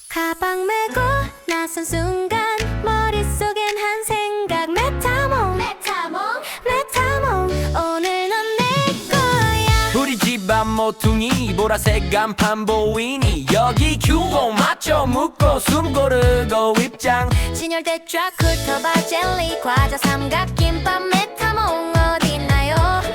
가방 메고 나선 순간 머릿속엔 한 생각 메타몽 오늘 넌 내 거야. 우리 집안 모퉁이 보라색 간판 보이니 여기 규모 맞춰 묻고 숨 고르고 입장 진열대 쫙 훑어봐 젤리 과자 삼각김밥 메타몽 어딨나요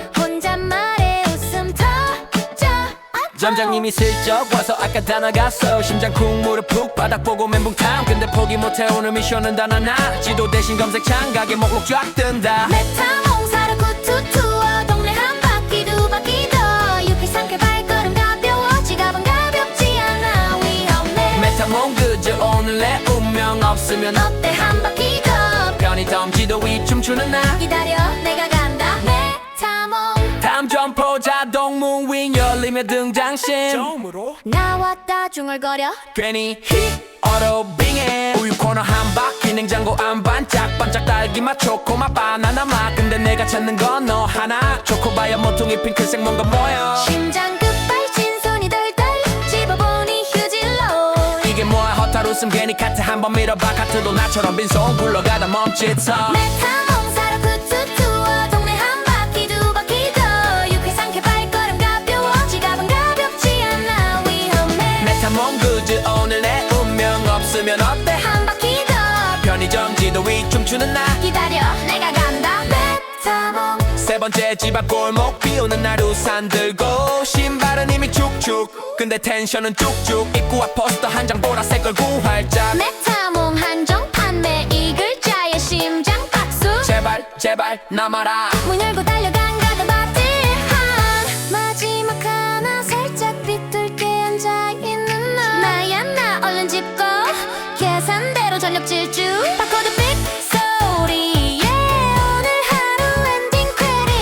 혼잣말에 웃음 터져 점장님이 슬쩍 와서 아까 다 나갔어 심장 쿵 무릎 푹 바닥 보고 멘붕탕 근데 포기 못해 오늘 미션은 단 하나 지도 대신 검색창 가게 목록 쫙 뜬다 메타몽 사러 구투 투어 동네 한 바퀴 두 바퀴 더 유쾌 상쾌 발걸음 가벼워 지갑은 가볍지 않아 위험해 메타몽 그저 오늘 내 운명 없으면 어때 한 바퀴 더 편의점 지도 위 춤추는 나 기다려 내가 간다 메타몽 다음 점포 자동 문윙 열리며 등장신 처음으로 나왔다 중얼거려 괜히 히 어로 빙해 우유 코너 한 바퀴 냉장고 안 반짝반짝 딸기맛 초코맛 바나나 맛 근데 내가 찾는 건 너 하나 초코바야 모퉁이 핑크색 뭔가 보여 심장 급발진 손이 덜덜 집어보니 휴질로 이게 뭐야 허탈 웃음 괜히 카트 한번 밀어봐 카트도 나처럼 빈손 굴러가다 멈칫서 메타몽 사러 구투 투어 동네 한 바퀴 두 바퀴 더 유쾌 상쾌 발걸음 가벼워 지갑은 가볍지 않아 위험해 메타몽 그저 오늘 내 운명 없으면 어때 한 바퀴 더 편의점 지도 위 춤추는 나 기다려 내가 간다 메타몽 세 번째 집 앞 골목 비 오는 날 우산 들고 신발은 이미 축축 근데 텐션은 쭉쭉 입구 앞 포스터 한 장 보라색 얼굴 활짝 메타몽 한정 판매 이 글자에 심장 박수 제발 제발 남아라 문 열고 달려간 가든 바티한 마지막 하나 살짝 비뚤게 앉아있는 너 나야 나 얼른 짚고 계산대로 전력 질주 바코드 빅 소리에 오늘 하루 엔딩 퀘리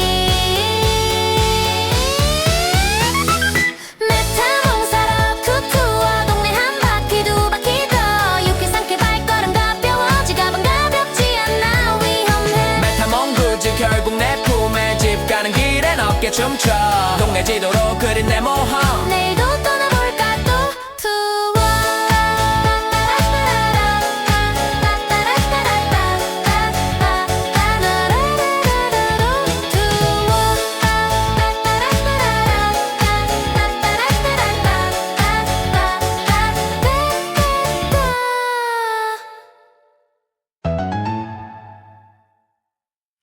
메타몽 사러 투투어 동네 한 바퀴 두 바퀴 더 유쾌 상쾌 발걸음 가벼워 지갑은 가볍지 않아 위험해 메타몽 그저 결국 내 품에 집 가는 길엔 어깨 춤춰 동네 지도로 그린 내 모험 내일